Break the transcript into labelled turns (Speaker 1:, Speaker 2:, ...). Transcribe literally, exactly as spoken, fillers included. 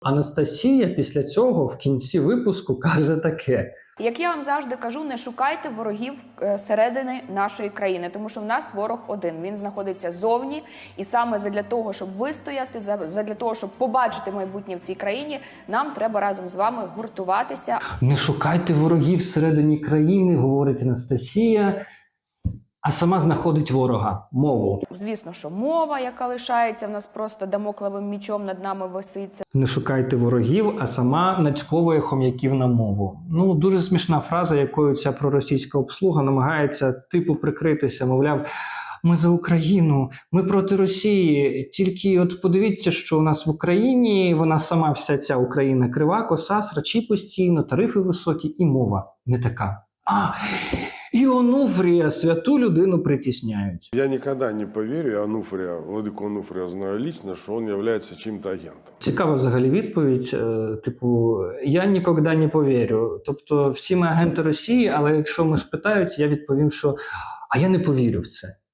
Speaker 1: Анастасія після цього в кінці випуску каже таке.
Speaker 2: Як я вам завжди кажу, не шукайте ворогів е, середини нашої країни, тому що в нас ворог один. Він знаходиться зовні, і саме задля того, щоб вистояти, задля того, щоб побачити майбутнє в цій країні, нам треба разом з вами гуртуватися.
Speaker 1: Не шукайте ворогів всередині країни, говорить Анастасія, а сама знаходить ворога – мову.
Speaker 2: Звісно, що мова, яка лишається в нас просто дамоклевим мічом над нами виситься.
Speaker 1: Не шукайте ворогів, а сама нацьковує хом'яків на мову. Ну, дуже смішна фраза, якою ця проросійська обслуга намагається типу прикритися, мовляв, ми за Україну, ми проти Росії. Тільки от подивіться, що у нас в Україні, вона сама вся ця Україна крива, коса, срачі постійно, тарифи високі і мова не така. А, і Онуфрія, святу людину притісняють.
Speaker 3: Я никогда не поверю, Онуфрия, владыку Онуфрия знаю лично, что он является чьим-то агентом.
Speaker 1: Цікава взагалі відповідь, е, типу, я ніколи не повірю. Тобто всі ми агенти Росії, але якщо ми спитають, я відповім, що а я не повірю в це.